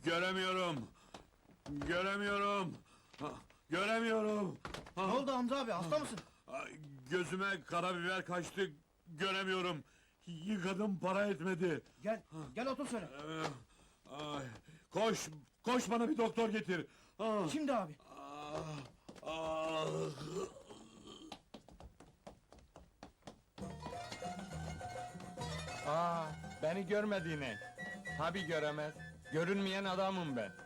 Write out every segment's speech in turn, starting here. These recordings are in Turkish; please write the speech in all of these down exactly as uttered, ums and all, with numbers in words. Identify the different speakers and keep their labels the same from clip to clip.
Speaker 1: Göremiyorum! Göremiyorum! Ha, Göremiyorum! Ha,
Speaker 2: Ne oldu Hamza abi, hasta mısın?
Speaker 1: ay, Gözüme karabiber kaçtı, göremiyorum! Yıkadım, para etmedi!
Speaker 2: Gel, gel otur söyle.
Speaker 1: Ee, ay, koş, koş bana bir doktor getir! Ah,
Speaker 2: Şimdi abi.
Speaker 1: ah, ah.
Speaker 3: Aa, beni görmediğine. Tabi göremez. Görünmeyen adamım ben.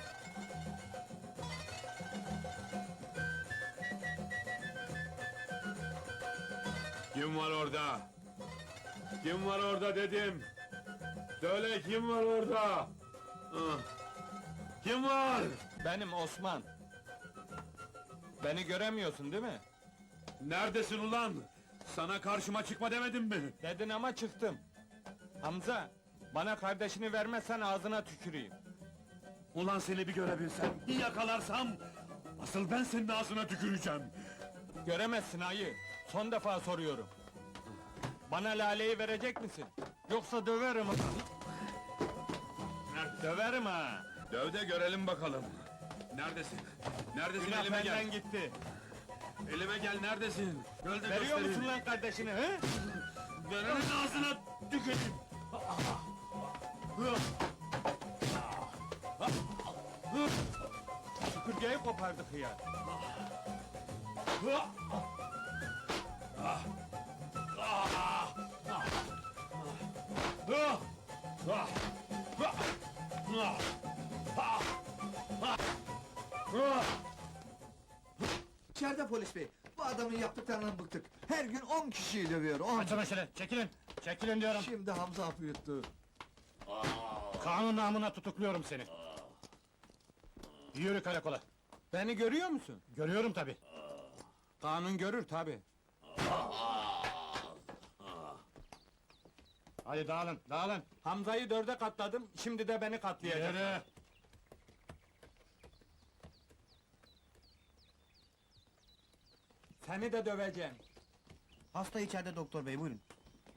Speaker 1: Kim var orada? Kim var orada dedim! Söyle, kim var orada? Ah, kim var?
Speaker 3: Benim Osman. Beni göremiyorsun değil mi?
Speaker 1: Neredesin ulan? Sana karşıma çıkma demedim mi?
Speaker 3: Dedin ama çıktım. Hamza, bana kardeşini vermezsen ağzına tüküreyim.
Speaker 1: Ulan seni bir görebilsem, bir yakalarsam... ...asıl ben senin ağzına tüküreceğim!
Speaker 3: Göremezsin ayı. Son defa soruyorum. Bana laleyi verecek misin? Yoksa döverim. Döverim ha.
Speaker 1: Döv de görelim bakalım! Neredesin? Neredesin,
Speaker 3: Günah
Speaker 1: elime gel!
Speaker 3: benden gitti.
Speaker 1: Elime gel, neredesin? Gel de
Speaker 3: Veriyor
Speaker 1: göstereyim.
Speaker 3: musun lan kardeşini, he?
Speaker 1: Verenin ağzına tüküreyim!
Speaker 3: Süpürgeyi kopardık ya.
Speaker 4: İçeride polis bey. Bu adamın yaptıklarından bıktık. Her gün on kişiyi dövüyor. On.
Speaker 2: Açın şöyle, çekilin. Çekilin diyorum.
Speaker 4: Şimdi Hamza hapı yuttu.
Speaker 2: Kanun namına tutukluyorum seni. Yürü karakola.
Speaker 3: Beni görüyor musun?
Speaker 2: Görüyorum tabi.
Speaker 3: Kanun görür tabi.
Speaker 2: Hadi dağılın, dağılın.
Speaker 3: Hamza'yı dörde katladım, şimdi de beni katlayacak.
Speaker 2: Yürü.
Speaker 3: Seni de döveceğim.
Speaker 2: Hasta içeride doktor bey, buyurun.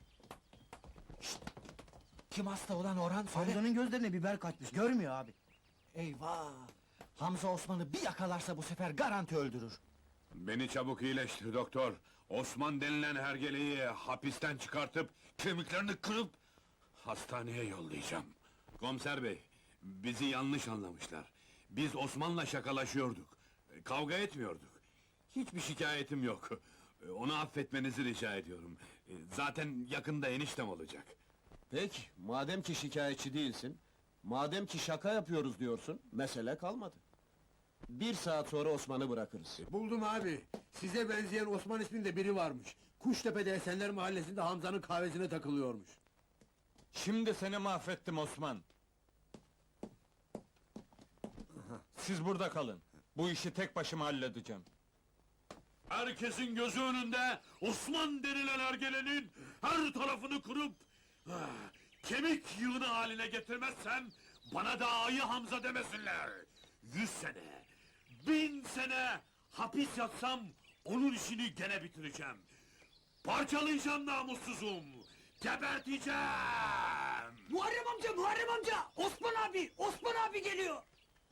Speaker 3: Kim hasta olan Orhan
Speaker 2: Hamza'nın gözlerine biber kaçmış, görmüyor abi.
Speaker 3: Eyvah! Hamza Osman'ı bir yakalarsa bu sefer garanti öldürür.
Speaker 1: Beni çabuk iyileştir doktor! Osman denilen hergeleyi hapisten çıkartıp... ...kemiklerini kırıp... ...hastaneye yollayacağım. Komiser bey, bizi yanlış anlamışlar. Biz Osman'la şakalaşıyorduk. Kavga etmiyorduk. Hiçbir şikayetim yok. Onu affetmenizi rica ediyorum. Zaten yakında eniştem olacak.
Speaker 5: Peki, madem ki şikayetçi değilsin, madem ki şaka yapıyoruz diyorsun, mesele kalmadı. Bir saat sonra Osman'ı bırakırız.
Speaker 6: Buldum abi. Size benzeyen Osman isminde biri varmış. Kuştepe'de Esenler Mahallesi'nde Hamza'nın kahvesine takılıyormuş.
Speaker 3: Şimdi seni mahvettim Osman. Siz burada kalın. Bu işi tek başıma halledeceğim.
Speaker 1: Herkesin gözü önünde Osman denilen ergelenin her tarafını kırıp... ah, ...kemik yığını haline getirmezsem... ...bana da Ayı Hamza demesinler! Yüz sene, bin sene hapis yatsam... ...onun işini gene bitireceğim! Parçalayacağım namussuzum! Geberteceğim!
Speaker 7: Muharrem amca, Muharrem amca! Osman abi, Osman abi geliyor!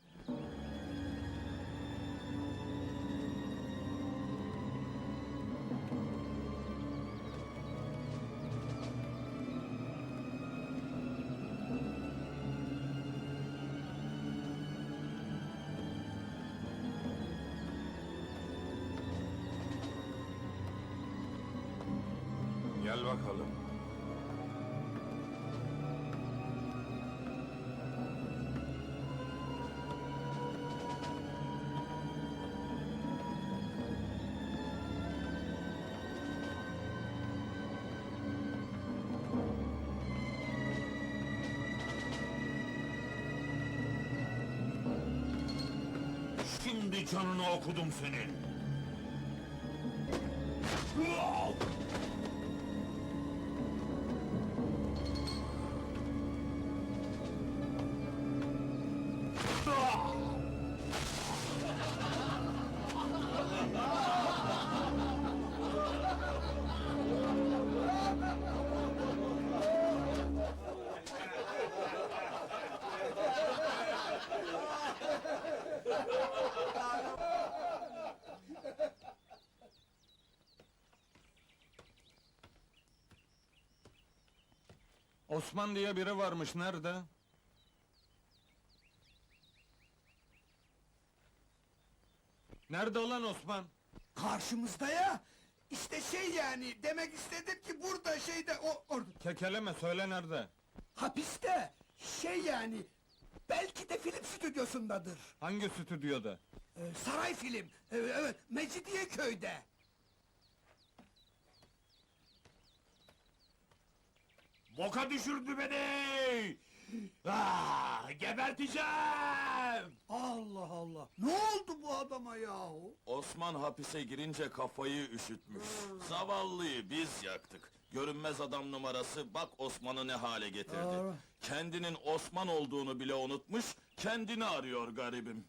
Speaker 1: Gel bakalım. Şimdi canını okudum senin!
Speaker 3: Osman diye biri varmış, nerede? Nerede olan Osman?
Speaker 7: Karşımızda ya! İşte şey yani, demek istedim ki burada şeyde, o orada.
Speaker 3: Kekeleme, söyle nerede?
Speaker 7: Hapiste! Şey yani, belki de film stüdyosundadır.
Speaker 3: Hangi stüdyoda?
Speaker 7: Ee, saray film, ee, evet, Mecidiyeköy'de.
Speaker 1: Boka düşürdü beni! Ah, geberteceğim!
Speaker 7: Allah Allah! Ne oldu bu adama yahu?
Speaker 8: Osman hapise girince kafayı üşütmüş. Zavallıyı biz yaktık. Görünmez adam numarası bak Osman'ı ne hale getirdi. Kendinin Osman olduğunu bile unutmuş, kendini arıyor garibim.